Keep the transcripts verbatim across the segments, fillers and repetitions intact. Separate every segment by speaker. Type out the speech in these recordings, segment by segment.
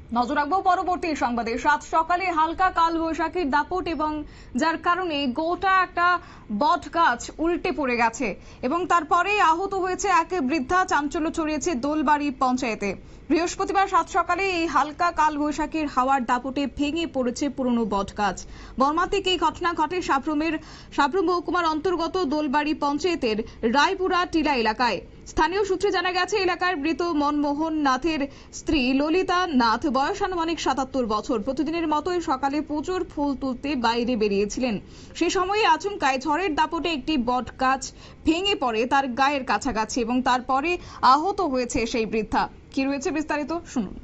Speaker 1: নজর রাখবো পরবর্তী সংবাদে। সাত সকালে হালকা কালবৈশাখীর দাপট এবং যার কারণে গোটা একটা বট গাছ উল্টে পড়ে গেছে এবং তারপরে আহত হয়েছে এক বৃদ্ধা। চাঞ্চল্য ছড়িয়েছে দোলবাড়ি পঞ্চায়েতে। বৃহস্পতিবার সাত সকালে এই হালকা কালবৈশাখীর হাওয়ার দাপটে ভেঙে পড়েছে পুরনো বট গাছ। মর্মান্তিক এই ঘটনা ঘটে সাবরুমের সাবরুম মহকুমার অন্তর্গত দোলবাড়ি পঞ্চায়েতের রায়পুরা টিলা এলাকায়। স্থানীয় সূত্রে জানা গেছে, এলাকার মৃত মনমোহন নাথের স্ত্রী ললিতা নাথ বয়স আনুমানিক সাতাত্তর বছর প্রতিদিনের মতোই সকালে পুজোর ফুল তুলতে বাইরে বেরিয়েছিলেন। সে সময়ে আচমকায় ঝড়ের দাপটে একটি বট গাছ ভেঙে পড়ে তার গায়ের কাছাকাছি এবং তারপরে আহত হয়েছে সেই বৃদ্ধা। কি রয়েছে বিস্তারিত শুনুন।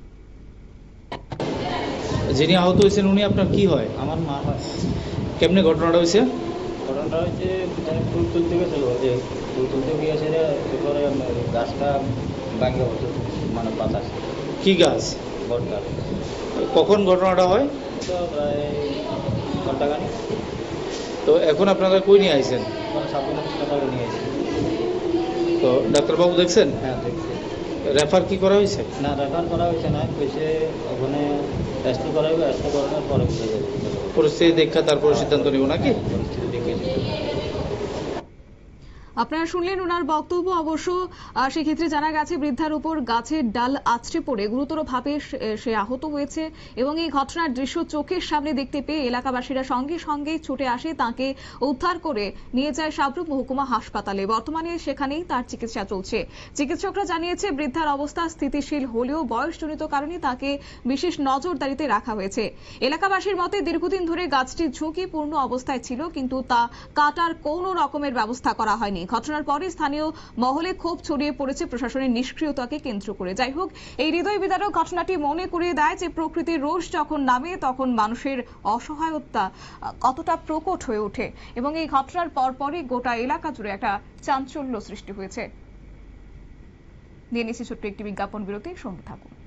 Speaker 2: যিনি আহত হয়েছেন উনি আপনার কি হয়?
Speaker 3: আমার মা হয়।
Speaker 2: কেমনে ঘটনাটা হয়েছে?
Speaker 3: ঘটনাটা হচ্ছে ফুল তুলতে গেছিল, যে ফুল তুলতে গিয়েছে এরপরে গাছটা ভাঙে হতো, মানে বাতাস।
Speaker 2: কি গাছ?
Speaker 3: বট গাছ।
Speaker 2: কখন ঘটনাটা হয়?
Speaker 3: তো প্রায় ঘন্টাখানি।
Speaker 2: তো এখন আপনারা কই নিয়ে আইছেন?
Speaker 3: মানে সাবধান হাসপাতালে নিয়ে এসেছি।
Speaker 2: তো ডাক্তারবাবু দেখছেন?
Speaker 3: হ্যাঁ দেখছি।
Speaker 2: রেফার কি করা হয়েছে?
Speaker 3: না, রেফার করা হয়েছে না, কইছে ওখানে টেস্ট করা হবে, টেস্ট করানোর পরে বুঝে যাবে।
Speaker 2: পরিস্থিতি দেখা তারপরে সিদ্ধান্ত নিব নাকি?
Speaker 3: পরিস্থিতি দেখে।
Speaker 1: আপনারা শুনলেন ওনার বক্তব্য। অবশ্য সেক্ষেত্রে জানা গেছে বৃদ্ধার উপর গাছের ডাল আছড়ে পড়ে গুরুতরভাবে সে আহত হয়েছে এবং এই ঘটনার দৃশ্য চোখের সামনে দেখতে পেয়ে এলাকাবাসীরা সঙ্গে সঙ্গে ছুটে আসে, তাকে উদ্ধার করে নিয়ে যায় সাবরুম মহকুমা হাসপাতালে। বর্তমানে সেখানেই তার চিকিৎসা চলছে। চিকিৎসকরা জানিয়েছে বৃদ্ধার অবস্থা স্থিতিশীল হলেও বয়সজনিত কারণে তাকে বিশেষ নজরদারিতে রাখা হয়েছে। এলাকাবাসীর মতে দীর্ঘদিন ধরে গাছটি ঝুঁকিপূর্ণ অবস্থায় ছিল, কিন্তু তা কাটার কোনো রকমের ব্যবস্থা করা হয়নি। ঘটনার পরে স্থানীয় মহলে ক্ষোভ ছড়িয়ে পড়েছে প্রশাসনের নিষ্ক্রিয়তাকে কেন্দ্র করে। যাই হোক, এই হৃদয় বিদারক ঘটনাটি মনে করিয়ে দেয় যে প্রকৃতির রোষ যখন নামে তখন মানুষের অসহায়তা কতটা প্রকট হয়ে ওঠে এবং এই ঘটনার পরপরই গোটা এলাকা জুড়ে একটা চাঞ্চল্য সৃষ্টি হয়েছে। নিয়ে নিচ্ছি ছোট্ট একটি বিজ্ঞাপন বিরতি, সঙ্গে থাকুন।